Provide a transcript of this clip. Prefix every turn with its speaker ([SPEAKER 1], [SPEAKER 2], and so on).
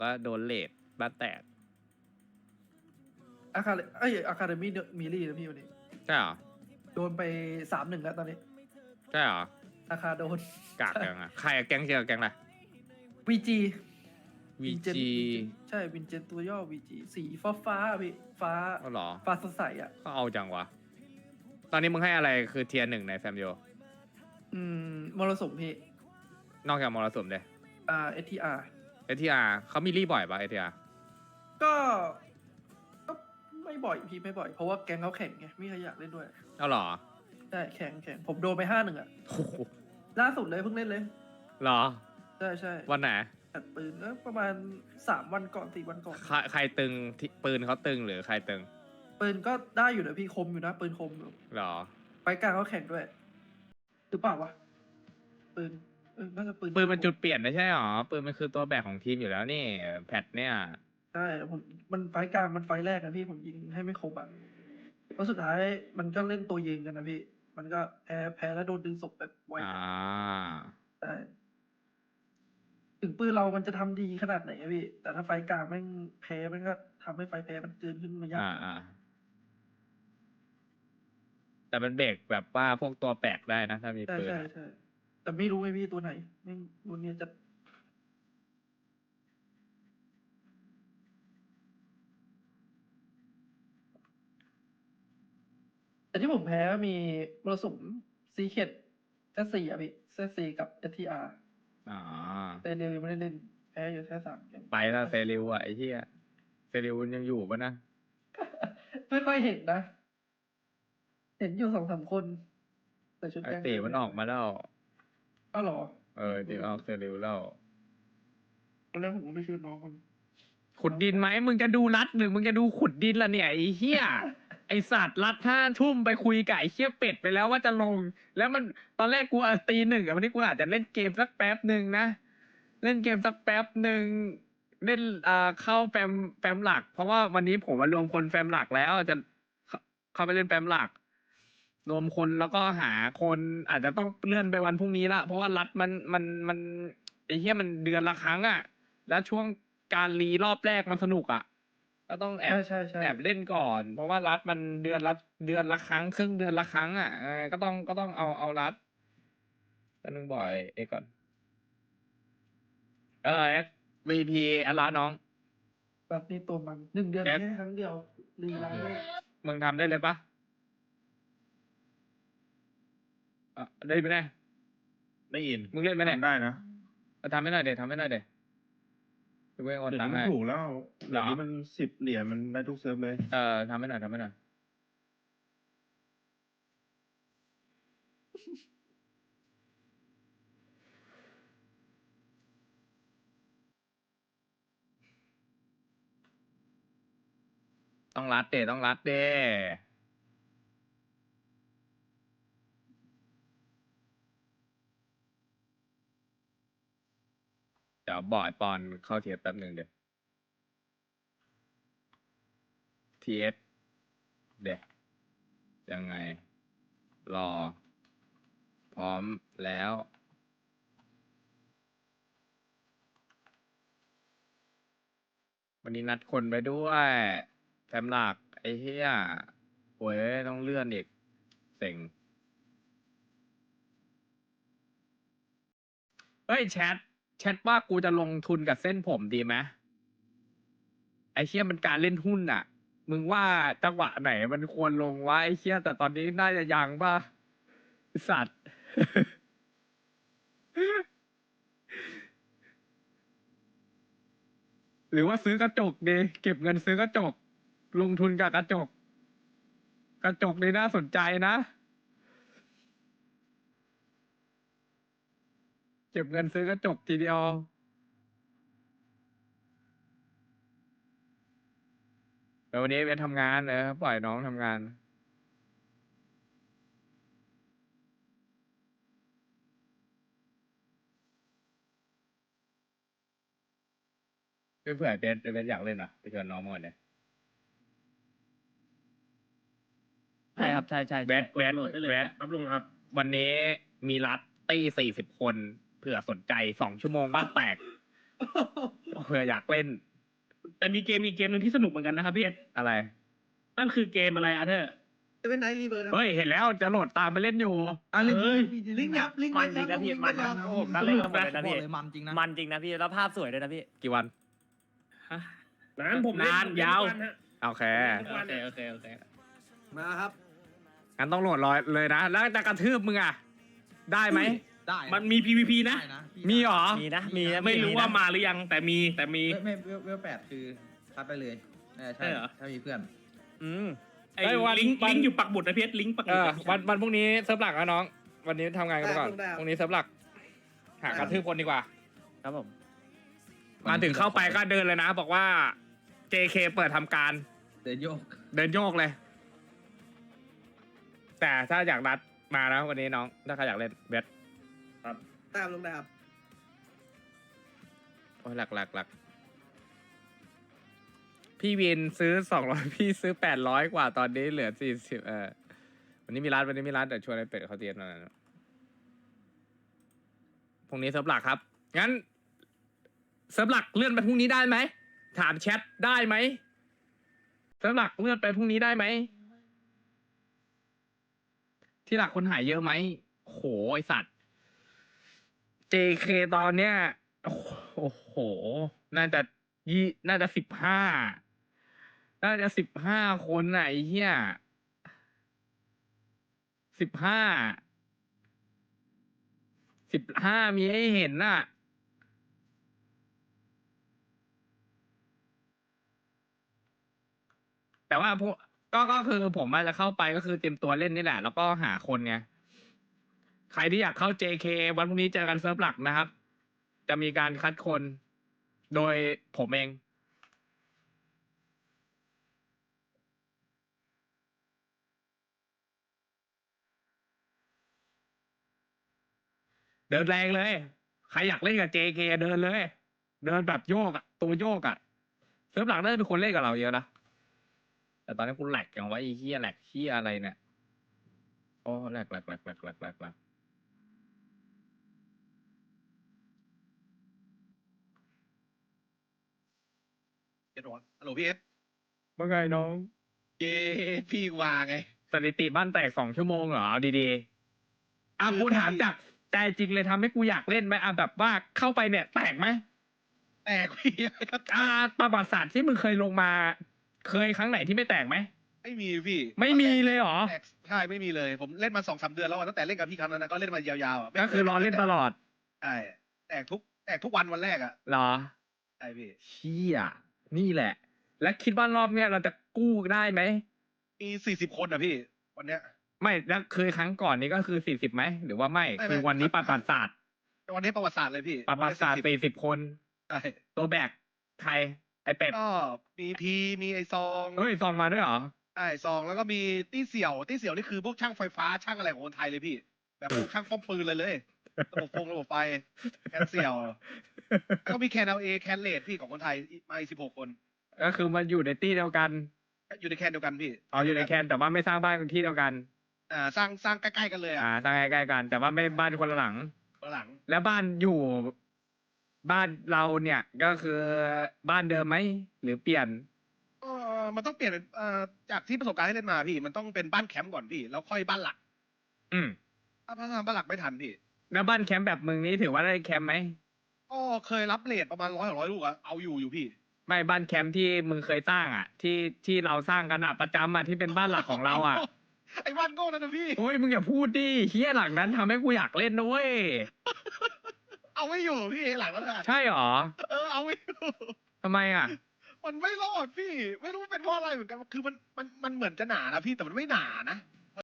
[SPEAKER 1] ก็โดนเลทบ้านแตก
[SPEAKER 2] อาคาเดมี่มิลี่นะพี่วันนี้
[SPEAKER 1] ใช่เหรอ
[SPEAKER 2] โดนไป3-1แล้วตอนนี้
[SPEAKER 1] ใช่เหรอ
[SPEAKER 2] อาคาโดน
[SPEAKER 1] กากยังอ่ะใครอะแก๊งเชียร์แก๊งอะไร
[SPEAKER 2] วีจี
[SPEAKER 1] วีจี
[SPEAKER 2] ใช่วินเจนตัวย่อวีจีสีฟ้าพี่ฟ้า
[SPEAKER 1] ก็หรอ
[SPEAKER 2] ฟ้าสดใสอ่ะ
[SPEAKER 1] ก็เอาจังวะ ตอนนี้มึงให้อะไรคือเทียร์หนึ่งในแฟมโย
[SPEAKER 2] มรสุมพี่
[SPEAKER 1] นอกจากมรสุมเลย
[SPEAKER 2] STR
[SPEAKER 1] เอทีอาร์เขามีรีบ่อยปะเอทีอาร์
[SPEAKER 2] ก็ก็ไม่บ่อยพี่ไม่บ่อย เพราะว่าแก๊งเขาแข่งไงไม่มีใครอยากเล่นด้วย
[SPEAKER 1] เอาหรอ
[SPEAKER 2] ใช่แข่งผมโดนไป5-1อ่ะ
[SPEAKER 1] โอ้โห
[SPEAKER 2] ล่าสุดเลยเพิ่งเล่นเลย
[SPEAKER 1] หรอ
[SPEAKER 2] ใช่
[SPEAKER 1] วันไหน
[SPEAKER 2] ตัดปืนก็ประมาณ3 วันก่อน4 วันก่อน
[SPEAKER 1] ใครตึงที่ปืนเขาตึงหรือใครตึง
[SPEAKER 2] ปืนก็ได้อยู่นะพี่คมอยู่นะปืนคมอยู่
[SPEAKER 1] หรอ
[SPEAKER 2] ไปกลางเขาแข่งด้วยหรือเปล่าวะปืนน่าจะปืน
[SPEAKER 1] ปืนมันจุดเปลี่ยนไม่ใช่หรอ ปืนมันคือตัวแบกของทีมอยู่แล้วนี่แพทเนี่ย
[SPEAKER 2] ใช่มันไฟกลางมันไฟแรกนะพี่ผมยิงให้ไม่ครบอ่ะเพราะสุดท้ายมันก็เล่นตัวยิงกันนะพี่ มันก็แพ้แล้วโดนดึงศพแบบไว
[SPEAKER 1] อ่า
[SPEAKER 2] ใช่ถึงปืนเรามันจะทำดีขนาดไหนอะพี่ แต่ถ้าไฟกลางแม่งแพ้มันก็ทำให้ไฟแพ้มันเกินขึ้นมายาก
[SPEAKER 1] แต่มันเบรกแบบว่าพวกตัวแปลกได้นะ ถ้ามี
[SPEAKER 2] ใช่
[SPEAKER 1] ปืน
[SPEAKER 2] ใช่
[SPEAKER 1] อะ
[SPEAKER 2] ใช่แต่ไม่รู้ไงพี่ตัวไหนแม่งตัวเนี้ยจะแต่ที่ผมแพ้ก็มีมรสุมซีเคดเซซีอะพี่เซซีกับSTR
[SPEAKER 1] อ๋อ
[SPEAKER 2] แต่เรียวยังไม่ได้เล่นแพ้อยู่แค่3 เกม
[SPEAKER 1] ไปแล้วเซริวอ่ะไอ้เหี้ยเซริวยังอยู่ปะนะ
[SPEAKER 2] ไม่ค่อยเห็นนะ เห็นอยู่2-3 คนแต่ชุด
[SPEAKER 1] ไอ้
[SPEAKER 2] แกง
[SPEAKER 1] ตีมันออกมาแล้ว
[SPEAKER 2] อ้าวเหรอ
[SPEAKER 1] ตีออกเซริวแล้ว
[SPEAKER 2] ตอนแรกผมก็ไม่เชื่อน้องมัน
[SPEAKER 1] ขุดดินไหมมึงจะดูรัดหรือมึงจะดูขุดดินล่ะเนี่ยไอ้เหี้ย ไอสัตว์รัด5 ทุ่มไปคุยกับไอ้เหี้ยเป็ดไปแล้วว่าจะลง แล้วมันตอนแรกกูตี 1วันนี้กูอาจจะเล่นเกมสักแป๊บหนึ่งนะ เล่นเกมสักแป๊บหนึ่งเล่นเข้าแฟมหลัก เพราะว่าวันนี้ผมมารวมคนแฟมหลักแล้วจะเข้าไปเล่นแฟมหลัก รวมคนแล้วก็หาคนอาจจะต้องเลื่อนไปวันพรุ่งนี้ละเพราะว่ารัดมันไอ้เหี้ยมันเดือนละครั้งอ่ะ แล้วช่วงการรีรอบแรกมันสนุกอ่ะ ก็ต้องแอบ
[SPEAKER 2] ใช่
[SPEAKER 1] แอบเล่นก่อน เพราะว่ารัดมันเดือนละครั้งครึ่งเดือนละครั้งอ่ะก็ต้องเอารัดก็นึงบ่อยเอกก่อนเอ็กวีพีรัดน้อง
[SPEAKER 2] แบบนี้ตัวมัน1 เดือน
[SPEAKER 1] แอด
[SPEAKER 2] แค่ครั้งเดียวรีไลน์เลย
[SPEAKER 1] มึงทำได้เลยปะได้ไหมเนี่ย
[SPEAKER 3] ได้ยิน
[SPEAKER 1] มึงเล่นไหมเนี่ย
[SPEAKER 3] ทำได้นะ
[SPEAKER 1] ทำให้หน่อยเดี๋ยวทำให้หน่อยเดี๋ยวเว้ยโอน
[SPEAKER 3] เดี๋ยว
[SPEAKER 1] ตัง
[SPEAKER 3] นี้
[SPEAKER 1] ค์
[SPEAKER 3] มัน
[SPEAKER 1] ให้
[SPEAKER 3] ถูกแล้วเดี๋ยวนี้มัน10 เหรียญมันได้ทุกเซิร์ฟเลย
[SPEAKER 1] ทำให้หน่อยทำให้หน่อยต้องรัดเดต้องรัดเดเดี๋ยวบอยปอนเข้าเทียบแป๊บหนึ่งเดี๋ยวทีเอสเดี๋ยวยังไง รอ พร้อมแล้ว วันนี้นัดคนไปด้วยแฟมหลัก ไอ้เหี้ยโอ้ยต้องเลื่อนอีกเซ็งเฮ้ยแชทว่ากูจะลงทุนกับเส้นผมดีไหมไอ้เชี่ยมันการเล่นหุ้นอ่ะ มึงว่าจังหวะไหนมันควรลงวะไอ้เชี่ยแต่ตอนนี้น่าจะยังป่ะไอ้สัตว์ หรือว่าซื้อกระจกดีเก็บเงินซื้อกระจก ลงทุนกับกระจก กระจกนี่น่าสนใจนะ เก็บเงินซื้อกระจกทีเดียว แล้ววันนี้ไปทำงานปล่อยน้องทำงานเพื่อเบสอยากเล่นเหรอไปชวนน้องมาก่อนเนี่ย
[SPEAKER 4] ใช่ครับใช่
[SPEAKER 1] เบส
[SPEAKER 3] รับลงครับ
[SPEAKER 1] วันนี้มีรัดตี้40 คนเผื่อสนใจ2 ชั่วโมงบ้านแตกเผื่ออยากเล่น
[SPEAKER 5] แต่มีเกมอีกเกมหนึ่งที่สนุกเหมือนกันนะครับพี่เอ็ด
[SPEAKER 1] อะไร
[SPEAKER 5] นั่นคือเกมอะไรอาเธอร์
[SPEAKER 2] จะเป็นไนท์รีเบิร์
[SPEAKER 1] เฮ้ยเห็นแล้วจะโหลดตามไปเล่นอยู่
[SPEAKER 5] เฮ้ย
[SPEAKER 2] ลิงก์ยับลิงก์
[SPEAKER 4] มันจริงนะพี่มัน
[SPEAKER 2] ยับ
[SPEAKER 4] โอ้ผมนั่นเล่นกันหมดเลยนะ
[SPEAKER 6] บอ
[SPEAKER 4] พี่
[SPEAKER 6] กเลยมันจริงนะ
[SPEAKER 4] มันจริงนะพี่แล้วภาพสวยด้วยนะพี่
[SPEAKER 1] กี่วัน
[SPEAKER 3] นานผมเล่น
[SPEAKER 5] นานยาว
[SPEAKER 3] ทุกนฮะ
[SPEAKER 1] โอเค
[SPEAKER 5] โอเค
[SPEAKER 6] มาครับ
[SPEAKER 1] งั้นต้องโหลดรอยเลยนะ แล้วจะกระทืบมึงอ่ะ ได้ไหม
[SPEAKER 6] ได้ะ
[SPEAKER 5] มันมี PVP นะ
[SPEAKER 6] ได้นะพี่
[SPEAKER 1] มีเหรอ
[SPEAKER 4] มีนะมีนะ
[SPEAKER 5] ไม่รู้ว่า
[SPEAKER 4] นะ
[SPEAKER 5] มาหรือยังแต่มี
[SPEAKER 6] ไม่เวล8คือคัดไปเลยใช่
[SPEAKER 5] ใช่เหรอ
[SPEAKER 6] ถ้ามีเพื่อน
[SPEAKER 4] อืม
[SPEAKER 5] ไอ้
[SPEAKER 1] เอ้ยวัน
[SPEAKER 5] ลิงก์
[SPEAKER 1] วัน
[SPEAKER 5] อยู่ปักบุตรนะพี่เอ็ดลิงก์ปัก
[SPEAKER 1] เอ
[SPEAKER 5] บุตร
[SPEAKER 1] อ
[SPEAKER 5] นะ
[SPEAKER 1] วันพรุ่งนี้เซิร์ฟหลักนะน้อง วันนี้ทำงานกันไปก่อนพรุ่งนี้เซิร์ฟหลัก หากระทืบคนดีกว่า
[SPEAKER 4] ครับผม
[SPEAKER 1] มาถึงเข้าไปก็เดินเลยนะ บอกว่า JK เปิดทำการ
[SPEAKER 6] เดินโยก
[SPEAKER 1] เดินโยกเลย แต่ถ้าอยากนัดมานะวันนี้น้อง ถ้าใครอยากเล่นเบส
[SPEAKER 2] ตามลงดาบ
[SPEAKER 1] โอ้ยหลักพี่วินซื้อ200พี่ซื้อ800กว่าตอนนี้เหลือ40วันนี้มีร้านแต่ชวนไอ้เป็ดเขาเตียนหน่อยนะพรุ่งนี้เซิร์ฟหลักครับ งั้นเซิร์ฟหลักเลื่อนไปพรุ่งนี้ได้ไหมถามแชทได้ไหมเซิร์ฟหลักเลื่อนไปพรุ่งนี้ได้ไหมที่หลักคนหายเยอะไหมโหไอสัตว์ JK ตอนเนี้ยโอ้โห น่าจะ15 คนไหนะไอ้เหี้ย15มีให้เห็นน่ะ แต่ว่าพวกก็คือผมอาจจะเข้าไปก็คือเตรียมตัวเล่นนี่แหละ แล้วก็หาคนไง ใครที่อยากเข้า JK วันพรุ่งนี้เจอกันเซิร์ฟหลักนะครับ จะมีการคัดคน โดยผมเอง เดินแรงเลย ใครอยากเล่นกับ JK เดินเลย เดินแบบโยกอะตัวโยกอะเซิร์ฟหลักน่าจะเป็นคนเล่นกับเราเยอะนะ แต่ตอนนี้กูแหลกอย่างว่าไอ้เหี้ยแหลกเหี้ยอะไรเนี่ย โอ้แหลก
[SPEAKER 3] เอ็ดวอนฮัลโหลพี่เอส
[SPEAKER 1] ว่าไงน้อง
[SPEAKER 3] เย้พี่ว่าไง
[SPEAKER 1] สถิติบ้านแตก2 ชั่วโมงเหรอเอาดีๆอ่ะกูถามจากใจจริงเลยทำให้กูอยากเล่นไหมอ่ะแบบว่าเข้าไปเนี่ยแตกไหม
[SPEAKER 3] แตกพี่ก็
[SPEAKER 1] ประวัติศาสตร์ที่มึงเคยลงมา เคยครั้งไหนที่ไม่แตกไหม
[SPEAKER 3] ไม่มีพี่
[SPEAKER 1] ไม่มีเลยเหรอ
[SPEAKER 3] แตกใช่ไม่มีเลย ผมเล่นมา2-3 เดือนแล้วอะตั้งแต่เล่นกับพี่ครั้งนั้นนะก็เล่นมายาวๆอ่ะ
[SPEAKER 1] ก็คือรอเล่นตลอด
[SPEAKER 3] ใช่แตกทุกวันแรกอ่ะ
[SPEAKER 1] เหรอ
[SPEAKER 3] ใช่พี่
[SPEAKER 1] เชี่ยนี่แหละ แล้วคิดว่ารอบเนี้ยเราจะกู้ได้ไหม
[SPEAKER 3] มี40 คนอ่ะพี่ วันเนี้ย
[SPEAKER 1] ไม่แล้วเคยครั้งก่อนนี้ก็คือ40ไหมหรือว่าไม่
[SPEAKER 3] ไม่
[SPEAKER 1] คือวันนี้ประวัติศาสตร์
[SPEAKER 3] แต่วันนี้ประวัติศาสตร์เลยพี่
[SPEAKER 1] ประวัติศาสตร์40 คน
[SPEAKER 3] ใช่
[SPEAKER 1] ตัวแบกใครไอเป็ด
[SPEAKER 3] ก็มีพีมีไอซอง
[SPEAKER 1] เฮ้ยซองมาด้วยเหรอ
[SPEAKER 3] ใช่ซองแล้วก็มีตี้เสี่ยวนี่คือพวกช่างไฟฟ้าช่างอะไรของคนไทยเลยพี่ แบบพวกช่างป้อมปืนเลยระบบไฟแคนเสี่ยวแล้วก็มีแคนLAแคนเลดพี่ของคนไทยมาอีก16 คน
[SPEAKER 1] ก็คือมันอยู่ในตี้เดียวกัน
[SPEAKER 3] อยู่ในแคนเดียวกันพี่
[SPEAKER 1] อ๋ออยู่ในแคนแต่ว่าไม่สร้างบ้านที่เดียวกัน
[SPEAKER 3] สร้างใกล้ๆกันเลยอ่ะ
[SPEAKER 1] สร้างใกล้ๆกัน แต่ว่าไม่บ้านคนละหลัง
[SPEAKER 3] หลัง
[SPEAKER 1] แล้วบ้านอยู่บ้านเราเนี่ย ก็คือบ้านเดิมไหมหรือเปลี่ยน
[SPEAKER 3] มันต้องเปลี่ยนเป็นจากที่ประสบการณ์ที่เล่นมาพี่ มันต้องเป็นบ้านแคมป์ก่อนพี่แล้วค่อยบ้านหลัก
[SPEAKER 1] อืม
[SPEAKER 3] ถ้าทำบ้านหลักไม่ทันพี่
[SPEAKER 1] แล้วบ้านแคมป์แบบมึงนี้ถือว่าได้แคมป์ไหม
[SPEAKER 3] ก็เคยรับเรทประมาณ100 ลูกอะเอาอยู่พี่
[SPEAKER 1] ไม่บ้านแคมป์ที่มึงเคยสร้างอ่ะ ที่เราสร้างกันอ่ะประจำอ่ะที่เป็นบ้านหลักของเราอ่ะ
[SPEAKER 3] ไอ้บ้านโง่นั่นนะพี่
[SPEAKER 1] โอ้ยมึงอย่าพูดดิเฮียหลังนั้นทำให้กูอยากเล่นนะเว้ย
[SPEAKER 3] เอาไม่อยู่พี่หลังนั้นอะ
[SPEAKER 1] ใช่หรอ
[SPEAKER 3] เอาไม่อยู่
[SPEAKER 1] ทำไมอ่ะ
[SPEAKER 3] มันไม่รอดพี่ ไม่รู้เป็นเพราะอะไรเหมือนกันคือมันเหมือนจะหนานะพี่แต่มันไม่หนานะ